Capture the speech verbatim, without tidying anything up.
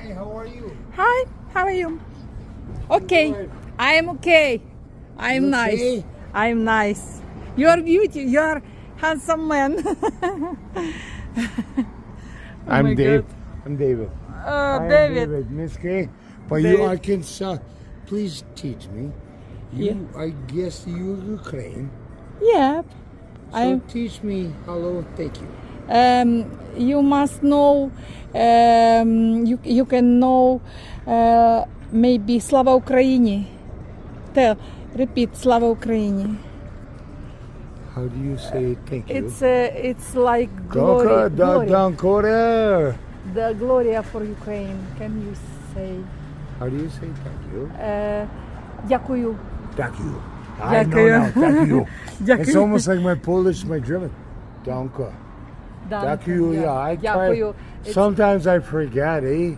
Hi, how are you? Hi, how are you? Okay, Good. I'm okay. I'm You nice. okay? I'm nice. You're beauty. You're handsome man. Oh I'm my Dave. God. I'm David. Uh, I am David. David, Miss K. But you David. are Kansas. Please teach me. You, I guess you're Ukraine. Yeah. So I. teach me hello, thank you. Um, you must know. Um, you you can know. Uh, maybe Slava Ukraini. Tell. Repeat. Slava Ukraini. How do you say thank you? It's uh, it's like glory. Danke, da, glory. dankore. The Gloria for Ukraine. Can you say? How do you say thank you? Uh, дякую. Thank you. I know Дякую. now, thank you. Дякую. It's almost like my Polish, my German. Danke. Danke. Thank you, yeah. I try. Дякую. It's- Sometimes I forget, eh?